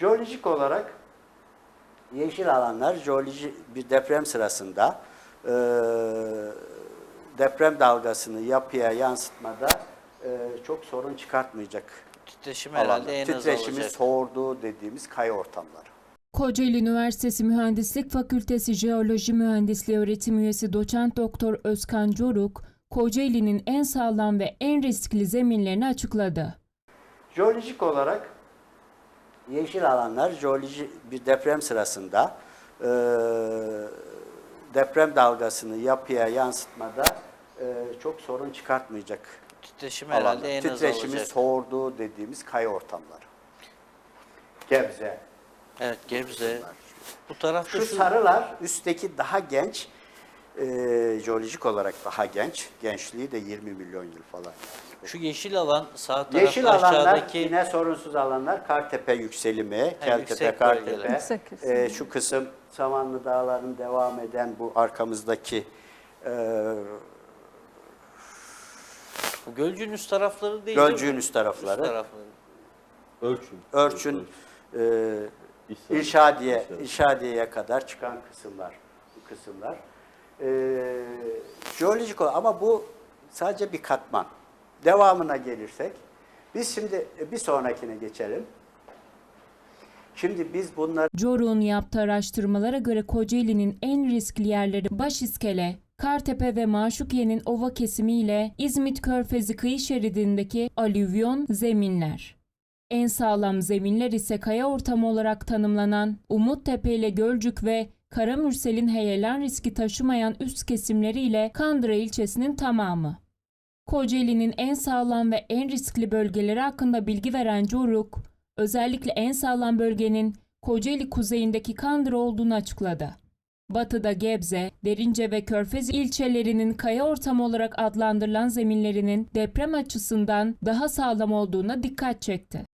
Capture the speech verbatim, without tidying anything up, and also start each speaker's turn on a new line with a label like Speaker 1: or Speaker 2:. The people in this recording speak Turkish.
Speaker 1: Jeolojik olarak yeşil alanlar jeoloji bir deprem sırasında e, deprem dalgasını yapıya yansıtmada e, çok sorun çıkartmayacak
Speaker 2: Titreşim
Speaker 1: alanlar.
Speaker 2: herhalde en az
Speaker 1: Titreşimi
Speaker 2: olacak.
Speaker 1: soğurduğu dediğimiz kaya ortamları.
Speaker 3: Kocaeli Üniversitesi Mühendislik Fakültesi Jeoloji Mühendisliği öğretim üyesi doçent doktor Özkan Coruk, Kocaeli'nin en sağlam ve en riskli zeminlerini açıkladı.
Speaker 1: Jeolojik olarak yeşil alanlar jeoloji bir deprem sırasında e, deprem dalgasını yapıya yansıtmada e, çok sorun çıkartmayacak
Speaker 2: Titreşim
Speaker 1: alanlar.
Speaker 2: herhalde en az
Speaker 1: Titreşimi
Speaker 2: olacak.
Speaker 1: soğurduğu dediğimiz kaya ortamları. Gebze.
Speaker 2: Evet, Gebze. Bu tarafta
Speaker 1: Şu
Speaker 2: şu,
Speaker 1: sarılar üstteki daha genç, e, jeolojik olarak daha genç. Gençliği de yirmi milyon yıl falan.
Speaker 2: şu yeşil alan sağ tarafta
Speaker 1: Yeşil alanlar
Speaker 2: aşağıdaki
Speaker 1: yine sorunsuz alanlar. Kartepe yükselimi, Keltepe,
Speaker 2: yüksek
Speaker 1: Kartepe.
Speaker 2: bölgeler.
Speaker 4: Yüksek
Speaker 1: E, şu kısım Samanlı Dağları'nın devam eden bu arkamızdaki e,
Speaker 2: bu Gölcük'ün üst tarafları değil.
Speaker 1: Gölcük'ün
Speaker 2: değil mi?
Speaker 1: üst tarafları.
Speaker 2: Üst tarafları.
Speaker 5: Ölçün.
Speaker 1: Örçün, e,
Speaker 5: İhsan.
Speaker 1: İrşadiye,
Speaker 5: İhsan.
Speaker 1: İrşadiye'ye kadar çıkan kısımlar, bu kısımlar. E, jeolojik olarak ama bu sadece bir katman. Devamına gelirsek, biz şimdi bir sonrakine geçelim. Şimdi biz bunları
Speaker 3: Coruk'un yaptığı araştırmalara göre Kocaeli'nin en riskli yerleri Başiskele, Kartepe ve Maşukiye'nin ova kesimi ile İzmit Körfezi kıyı şeridindeki alüvyon zeminler. En sağlam zeminler ise kaya ortamı olarak tanımlanan Umuttepe ile Gölcük ve Karamürsel'in heyelan riski taşımayan üst kesimleri ile Kandıra ilçesinin tamamı. Kocaeli'nin en sağlam ve en riskli bölgeleri hakkında bilgi veren Coruk, özellikle en sağlam bölgenin Kocaeli kuzeyindeki Kandıra olduğunu açıkladı. Batıda Gebze, Derince ve Körfez ilçelerinin kaya ortamı olarak adlandırılan zeminlerinin deprem açısından daha sağlam olduğuna dikkat çekti.